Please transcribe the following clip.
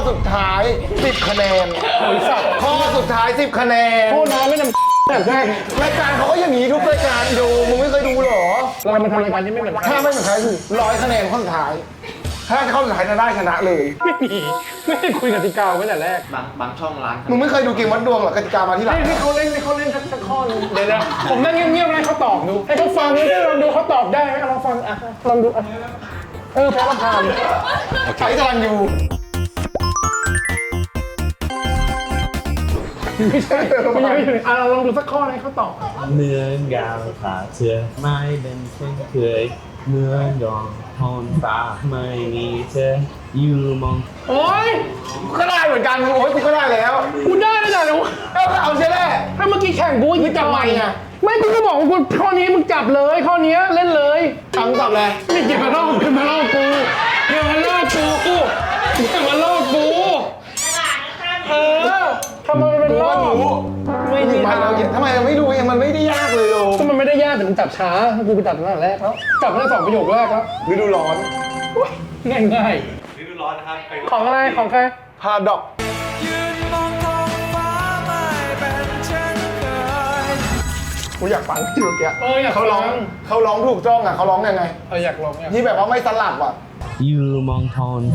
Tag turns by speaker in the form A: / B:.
A: สุดท้าย10 คะแนนข้อสุดท้าย10 คะแนน
B: โทษนะไม่นำแบบแรก
A: รายการเขาก็อย่างนี้ทุกรายการดูมึงไม่เคยดูเหรอ
B: เรามาทำรายการที่ไม่เหมือนใคร
A: ถ้าไม่เหมือนใครคือ100 คะแนนข้อสุดท้าย ถ้าข้อสุดท้ายจะได้ชนะเลย
B: ไม่มีไม่ได้คุยกติกาไว้แต่แรก
C: บางช่องร้าน
A: มึงไม่เคยดูเกมวัดดวงหรอกติกามาที่หลัง
B: ให้เขาเล่นสักข้อนึงเดี๋ยวนะผมนั่งเงียบๆให้เขาตอบดูให้เขาฟังแล้วลองดูเขาตอบได้ไหมลองฟังอ่ะลองดูอ่ะแพ้ละพาน
A: ใช้กำลังอยู่
B: ไม่ใช่มันยังไม่ถึงอ่ะลองดูสักข้อให้เขาตอบ
D: เนื้อยาวขาเชือไม่เป็นเช่นเคยเนื้อยองทอนฟ้าไม่มีเธออยู่มอง
B: โอ๊ย
A: ก็ได้เหมือนกันโอ้ยกูก็ได้แล้ว
B: กูได้แล้วจ้ะเดี๋ยว
A: เอาใช่ไหม
B: ถ้าเมื่อกี้แข่งกู
A: มึงจับไมค์ไง
B: ไม่กูก็บอกว่ากูข้อนี้มึงจับเลยข้อนี้เล่นเลย
A: ตังตอบเลย
B: นี่เก็บมาล่อกูอย่ามาล่อกูอย่ามาล่อกูเออทำไมมันเป็นล่อ
A: ไม่ดีไปเราทำไมเราไม่ดูเองมันไม่ได้ยากเลยโย
B: ก็มันไม่ได้ยากแต่มึงจับช้ากูไปจับตั้งแต่แรกแล้วจับตั้งแต่2 ประโยคแรกแล้ว
A: ฤดูร้อน
B: ง่าย
C: ฤดูร้อนนะครับไป
B: ๆของอะไรของใคร
A: พาดอกกูอยากฟังที่เมื่อกี้
B: อยาก
A: เขาร้อง
B: ฟัง
A: เขาร้องถูกจ้องอ่ะเขาร้องยังไง
B: อยากลองอยาก
A: ที่แบบว่าไม่สลับอ่ะ
D: อยู่มองทอน